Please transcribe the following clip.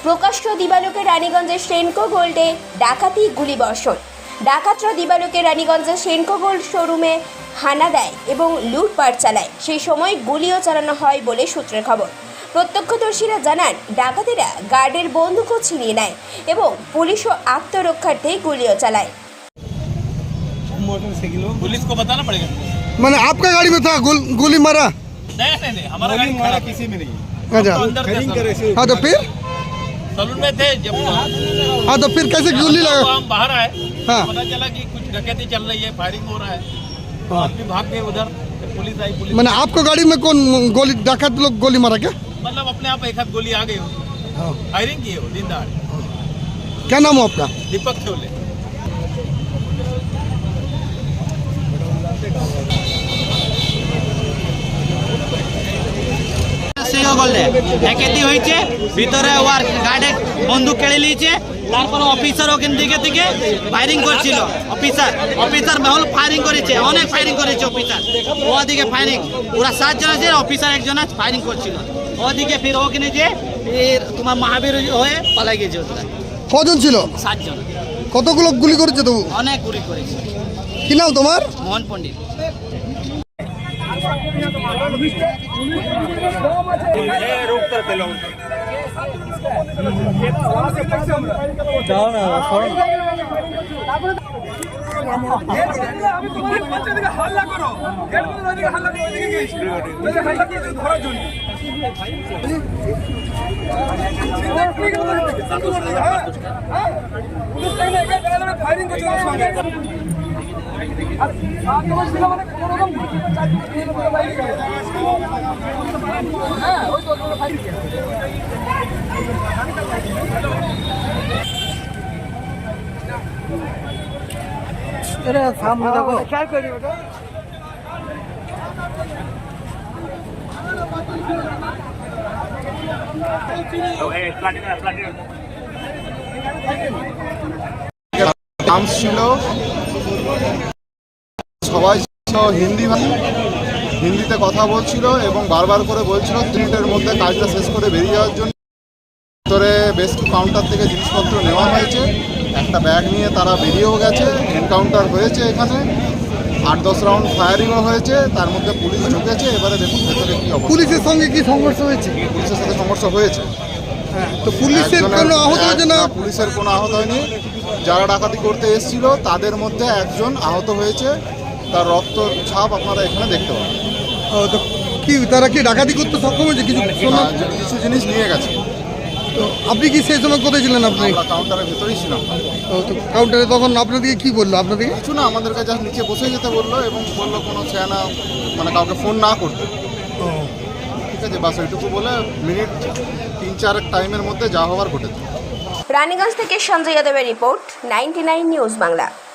প্রকাশ্য দিবালোকে রানীগঞ্জের সেনকো গোল্ডে ডাকাতি গুলিবর্ষণ। ডাকাতরা দিবালোকে রানীগঞ্জের সেনকো গোল্ড শোরুমে হানা দেয় এবং লুটপাট চালায়। সেই সময় গুলিও চালানো হয় বলে সূত্রের খবর। প্রত্যক্ষদর্শীরা জানান, ডাকাতেরা গার্ডের বন্দুকও ছিনিয়ে নেয় এবং পুলিশও আত্মরক্ষার্থে গুলিও চালায়। पुलिस को बताना पड़ेगा। मैंने आपका गाड़ी में था गोली मारा? नहीं, हमारा गाड़ी खड़ा किसी में नहीं। अच्छा, तो अंदर थे हाँ तो फिर सलून में थे जब हाँ तो फिर कैसे गोली लगा? हम बाहर आए, हाँ। पता चला कि कुछ डकैती चल रही है, फायरिंग हो रहा है। हाँ। आदमी भाग गए उधर, तो पुलिस आई। पुलिस मैंने आपको गाड़ी में कौन गोली डाकत लोग गोली मारा क्या? मतलब अपने आप एक हाथ गोली आ गई हो, फायरिंग की हो दिन दहाड़े। क्या नाम है आपका? दीपक छोले। ডাকাতি হয়েছে, ভিতরে ওর গার্ডে বন্দুক কেড়ে নিয়েছে। তারপর অফিসার ওখান থেকে ফায়ারিং করছিল। অফিসার বহুল ফায়ারিং করেছে, অনেক ফায়ারিং করেছে অফিসার। ওদিকে ফায়ারিং ওরা 7 জন আছে, অফিসার একজন ফায়ারিং করছিল। ওদিকে ফির ওখানে যে ফির তোমার মহাবীর হয়ে পালাই গেছে ওরা। কজন ছিল? 7 জন। কতগুলো গুলি করেছে তবু? অনেক গুলি করেছে। কি নাম তোমার? মোহন পণ্ডিত। সামনে দেখো। আর্মস ছিল, সবাই হিন্দিতে কথা বলছিল এবং বারবার করে বলছিল 3 মিনিটের মধ্যে কাজটা শেষ করে বেরিয়ে যাওয়ার জন্য। ভিতরে বেশ কিছু কাউন্টার থেকে জিনিসপত্র নেওয়া হয়েছে, একটা ব্যাগ নিয়ে তারা বেরিয়েও গেছে। এনকাউন্টার হয়েছে, এখানে 8-10 রাউন্ড ফায়ারিংও হয়েছে, তার মধ্যে পুলিশ ঢুকেছে। এবারে দেখুন ভেতরে কি অবস্থা। পুলিশের সঙ্গে কি সংঘর্ষ হয়েছে? পুলিশের সাথে সংঘর্ষ হয়েছে। তো পুলিশের কোনো আহত হয়েছে না? পুলিশের কোনো আহত হয়নি। যারা ডাকাতি করতে এসেছিল তাদের মধ্যে একজন আহত হয়েছে, তার রক্ত ছাপ আপনারা এখানে দেখতে পাবেন। তো কি তারা কি ডাকাতি করতে সক্ষম হয়েছে? কিছু জিনিস নিয়ে গেছে। তো আপনি কি সেই সময় কোথায় ছিলেন? আপনি আমরা কাউন্টারের ভেতরেই ছিলাম। তো কাউন্টারে তখন আপনাদেরকে কি বললো? আপনাদেরকে কিছু না, আমাদেরকে জাস্ট নিচে বসে যেতে বললো এবং বললো কোনো চেনা মানে কাউকে ফোন না করতে। ঠিক আছে, বাস ওইটুকু বলে মিনিট 3-4 টাইমের মধ্যে যা হওয়ার ঘটেছে। রানীগঞ্জ থেকে সঞ্জয় যাদবের রিপোর্ট, 99 নিউজ বাংলা।